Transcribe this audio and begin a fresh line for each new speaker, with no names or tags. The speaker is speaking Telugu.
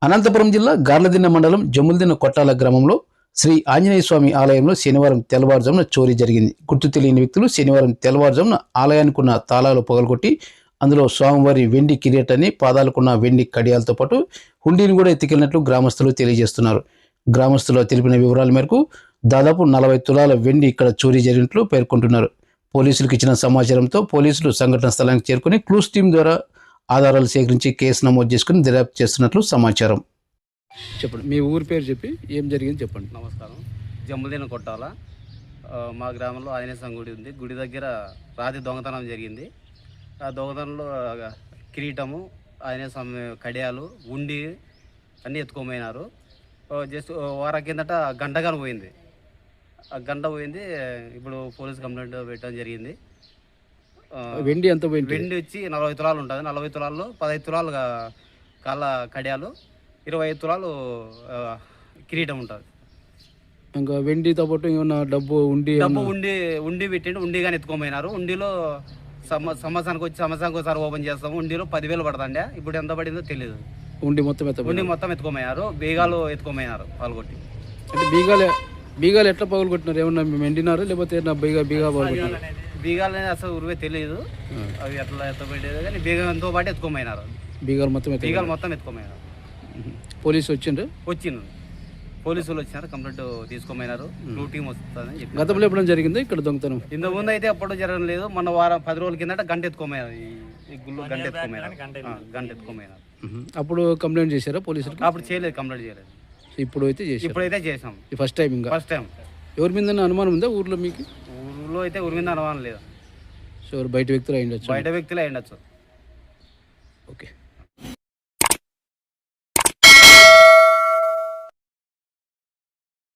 అనంతపురం జిల్లా గార్లదిన్న మండలం జమ్ములదిన్న కొట్టాల గ్రామంలో శ్రీ ఆంజనేయ స్వామి ఆలయంలో శనివారం తెల్లవారుజామున చోరీ జరిగింది. గుర్తు తెలియని వ్యక్తులు శనివారం తెల్లవారుజామున ఆలయానికి ఉన్న తాళాలు పగలగొట్టి అందులో స్వామివారి వెండి కిరీటాన్ని, పాదాలకున్న వెండి కడియాలతో పాటు హుండీని కూడా ఎత్తుకెళ్లినట్లు గ్రామస్తులు తెలియజేస్తున్నారు. గ్రామస్తులు తెలిపిన వివరాల మేరకు దాదాపు 40 తులాల వెండి ఇక్కడ చోరీ జరిగినట్లు పేర్కొంటున్నారు. పోలీసులకు ఇచ్చిన సమాచారంతో పోలీసులు సంఘటన స్థలానికి చేరుకుని క్లూస్ టీం ద్వారా ఆధారాలు సేకరించి కేసు నమోదు చేసుకుని దర్యాప్తు చేస్తున్నట్లు సమాచారం.
చెప్పండి, మీ ఊరి పేరు చెప్పి ఏం జరిగింది చెప్పండి.
నమస్కారం. జమ్ములదిన్న కొట్టాల మా గ్రామంలో ఆంజనేయ స్వామి గుడి ఉంది. గుడి దగ్గర రాత్రి దొంగతనం జరిగింది. ఆ దొంగతనంలో కిరీటము, ఆంజనేయ స్వామి కడియాలు, ఉండి అన్నీ ఎత్తుకోమైనారు. జస్ట్ వారం కిందట గంటగాను పోయింది. ఆ గంట పోయింది. ఇప్పుడు పోలీస్ కంప్లైంట్ పెట్టడం జరిగింది.
వెండి ఎంత పోయింది?
వెండి వచ్చి 40 తులాలు ఉంటుంది. 40 తులాల్లో 15 తులాలు కాళ్ళ కడియాలు, 25 తులాలు కిరీటం ఉంటుంది.
ఇంకా వెండితో పాటు ఏమన్నా డబ్బు
ఉండి పెట్టిండు. ఉండి కానీ ఎత్తుకోమైనారు. ఉండిలో సంవత్సరానికి ఒకసారి ఓపెన్ చేస్తాము. ఉండిలో 10,000 పడుతుండే. ఇప్పుడు ఎంత పడిందో తెలియదు.
ఉండి మొత్తం
ఎత్తుకోమైనారు. బీగాలు ఎత్తుకోమైనారు పాల్గొట్టి.
అంటే బీగాలు ఎట్లా పగలగొట్టినారు? ఏమన్నా మెండినారు లేకపోతే బీగా పగలగొట్టినారు?
బీగాలు అసలు ఉరివే తెలియదు. అవి ఎట్లా ఎత్తపెట్టేది కానీ బీగంతో పాటు ఎత్తుకోమైనారు.
బీగాలు
మొత్తం ఎత్తుకోమైనారు.
పోలీసు వచ్చిండ్రు.
పోలీసులు వచ్చినారు. కంప్లైంట్ తీసుకోమైనారు. బ్లూ టీం వస్తుందని చెప్పి.
గతంలో ఎప్పుడైనా జరిగింది ఇక్కడ దొంగతనం?
ఇంత ముందు అయితే ఎప్పుడు జరగలేదు. మొన్న వారం 10 రోజుల కిందట గంట ఎత్తుకోమైనారు. ఈ గుళ్ళు గంట ఎత్తుకోమైనారు.
అప్పుడు కంప్లైంట్ చేశారా పోలీసులు?
అప్పుడు చేయలేదు, కంప్లైంట్ చేయలేదు. ఇప్పుడైతే చేసాం.
First time. ఎవరి మీద అనుమానం ఉందా ఊర్లో మీకు?
ఊర్లో అయితే ఊరి మీద అనుమానం లేదు.
సో బయట వ్యక్తులు అయ్యిండొచ్చు.
బయట వ్యక్తులు అయ్యిండొచ్చు.
ఓకే.